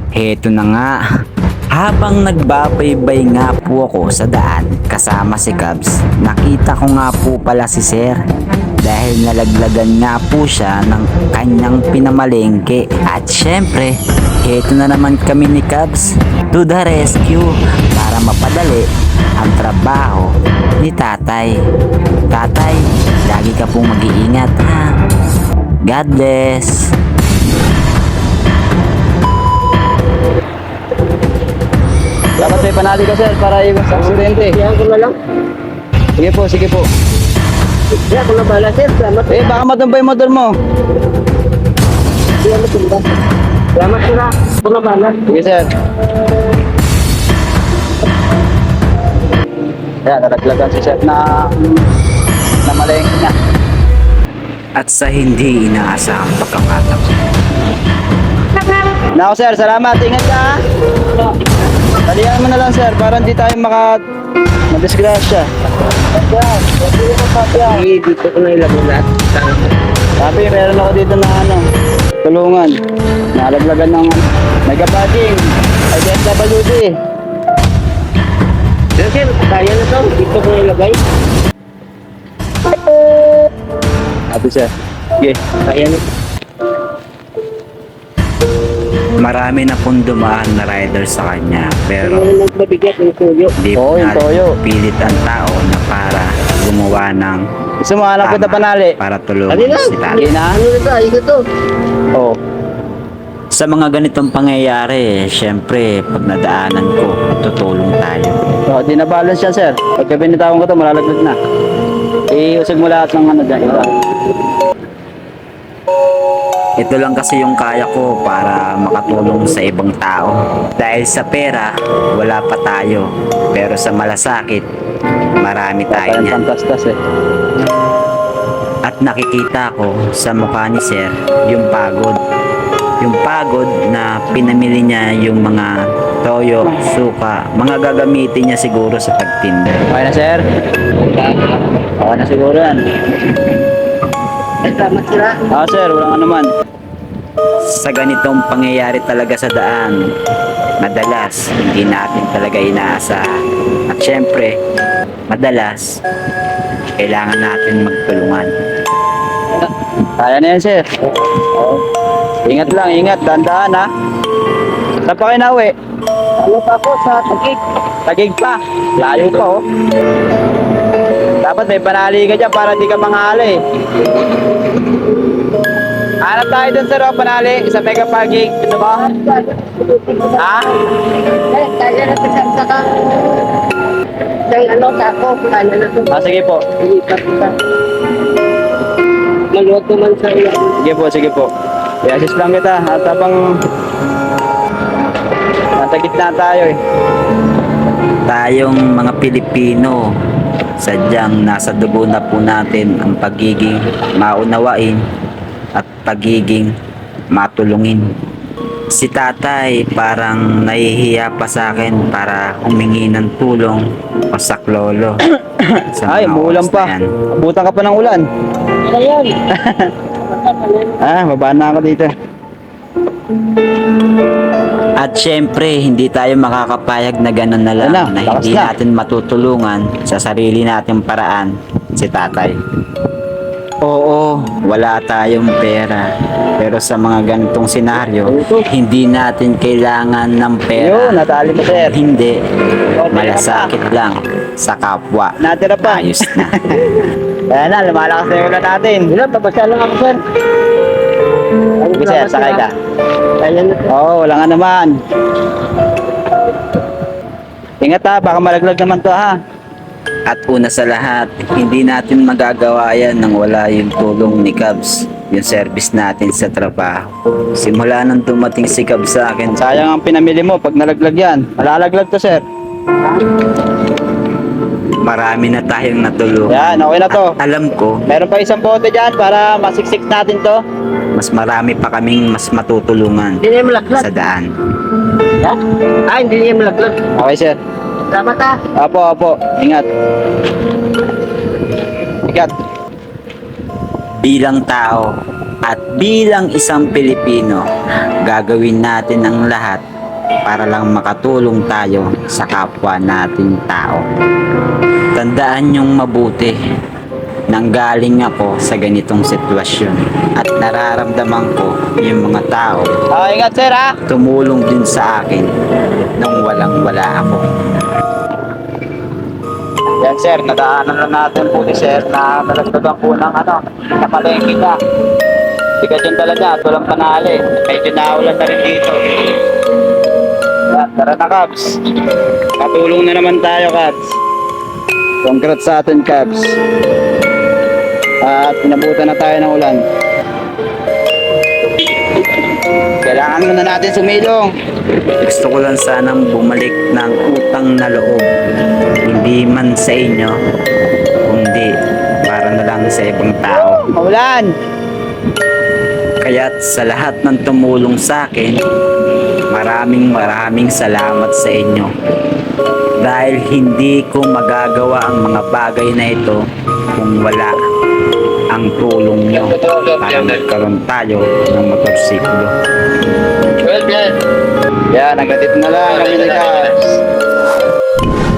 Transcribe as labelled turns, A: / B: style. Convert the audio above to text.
A: Heto na nga. Habang nagbabaybay nga po ako sa daan kasama si Cubs, nakita ko nga po pala si Sir. Dahil nalaglagan nga po siya ng kanyang pinamalengke. At syempre, heto na naman kami ni Cubs to the rescue para mapadali ang trabaho ni Tatay. Tatay, lagi ka pong mag-iingat ha. God bless.
B: Dapat may panali ka, sir, para iwas sa aksidente.
C: Yan ko na lang.
B: Sige po, sige po.
C: Yan ko na bala, sir. Salamat.
B: Baka matumbay yung motor mo.
C: Yan matumba. Salamat, sir. Ako na bala.
B: Sige, sir. Ayan, nalaglagan si sir na malengke niya.
A: At sa hindi inaasahang pagkakataon,
B: Nako, sir, salamat. Ingat ka, ha? Talihan mo na lang, sir, para hindi tayo madisgrasya.
C: Dito ko na ilagay lahat.
B: Sabi, meron ako dito na tulungan. Nalaglagan ng mega-badging. IDSWD.
C: Sir, kaya na to. Dito ko na ilagay.
B: Sabi, sir. Sige.
C: Kaya na.
A: marami na pong dumaan na rider sa kanya. Pero
C: Ano nagbabigat yung tuyo?
A: hindi
B: Oo,
A: po
B: yung toyo.
A: pilit ang tao na para gumawa ng
B: Gusto mo alam kita
A: tama
B: panali?
A: para tulungan
C: Ano lang?
A: si Tatay.
B: Sige na.
C: Ano na to? Ayos na to.
B: Oo.
A: Sa mga ganitong pangyayari, syempre, pag nadaanan ko, tutulong tayo.
B: So, di na balance yan, sir. Pagka binitawan ko to, malalaglag na. Iusag mo lahat ng dyan. Ito.
A: Ito lang kasi yung kaya ko para makatulong sa ibang tao. Dahil sa pera, wala pa tayo. Pero sa malasakit, marami tayo
B: Parang
A: niyan.
B: pantastas eh.
A: At nakikita ko sa mukha ni Sir yung pagod. Yung pagod na pinamili niya yung mga toyo, suka, mga gagamitin niya siguro sa pagtinda.
B: Okay na, sir? Okay na siguro yan.
C: Salamat, sir.
B: Sir, walang anuman.
A: Sa ganitong pangyayari talaga sa daan, madalas hindi natin talaga inaasahan. At syempre, madalas kailangan natin magtulungan.
B: Kaya na yan, sir. Ingat lang, ingat. Dandaan, ha? Saan pa kayo nauwi?
C: Ano pa po sa tagig?
B: Tagig pa. Layo pa, oh. Dapat may panali ka dyan para di ka manghali. Hanap tayo dun, sir, oh, panali. Sa mega parking. Gusto mo? Ha?
C: Kaya na to sa ka. Isang ano, tako. Kaya na to.
B: Sige po.
C: Ilipat kita. Maluto man sa iyo.
B: Sige po, sige po. I-assist lang kita. At habang nasa gitna tayo, eh.
A: Tayong mga Pilipino, sadyang nasa dugo na po natin ang pagiging maunawain at pagiging matulungin. Si Tatay parang nahihiya pa sa akin para humingi ng tulong o saklolo. Sa
B: Ay,
A: mga
B: umuulan
A: oras
B: pa.
A: na yan.
B: Abutan ka pa ng ulan.
C: Ano yan?
B: Babaan na ako dito.
A: At syempre, hindi tayo makakapayag na gano'n na lang
B: Wala,
A: na
B: lakas
A: hindi
B: na.
A: natin matutulungan sa sarili nating paraan si Tatay. Oo, wala tayong pera. Pero sa mga ganitong senaryo, hindi natin kailangan ng pera.
B: Yun, natali mo, sir.
A: Hindi, malasakit lang sa kapwa.
B: Natira pa.
A: Ayos na.
B: Kaya na, lumalakas na yung ulan natin.
C: Wala, papasya lang ako, sir.
B: Sige, sir, sakay ka.
C: Kaya na to.
B: Oo, wala nga naman. Ingat, ha, baka malaglag naman to, ha.
A: At una sa lahat, hindi natin magagawa yan nang wala yung tulong ni Cubs, yung service natin sa trabaho. Simula nang dumating si Cubs sa akin,
B: Sayang ang pinamili mo pag nalaglag yan. Malalaglag to, sir.
A: marami na tayong natulungan.
B: Yan, okay na to.
A: At alam ko,
B: Meron pa isang bote dyan para masiksik natin to.
A: mas marami pa kaming mas matutulungan
C: Hindi niya malaklat.
A: sa daan.
C: Ha? Hindi niya malaklat.
B: Okay, sir.
C: Salamat, ha.
B: Apo, apo. Ingat. Ingat.
A: Bilang tao at bilang isang Pilipino, gagawin natin ang lahat para lang makatulong tayo sa kapwa nating tao. Tandaan niyong mabuti, nanggaling ako sa ganitong sitwasyon at nararamdaman ko yung mga tao
B: Ingat sir ha.
A: tumulong din sa akin nung walang-wala ako.
B: Yan sir, nadaanan na natin po ni sir na nalagdagan po ng na palengke niya. Bigat yung dala niya at walang panali. Medyo naulan na rin dito. Yan, tara na Cubs. Katulong na naman tayo Cubs. Congrats sa atin Cubs. At pinabutan na tayo ng ulan. Kailangan muna natin sumilong.
A: Gusto ko lang sanang bumalik ng utang na loob. Hindi man sa inyo, kundi para na lang sa ibang tao.
B: Maulan!
A: Kaya't sa lahat ng tumulong sa akin, maraming salamat sa inyo. Dahil hindi ko magagawa ang mga bagay na ito kung wala ang tulong nyo para magkaroon tayo ng motorsiklo.
B: Well, yan. Yan, hanggang dito na lang kami ni Cubs.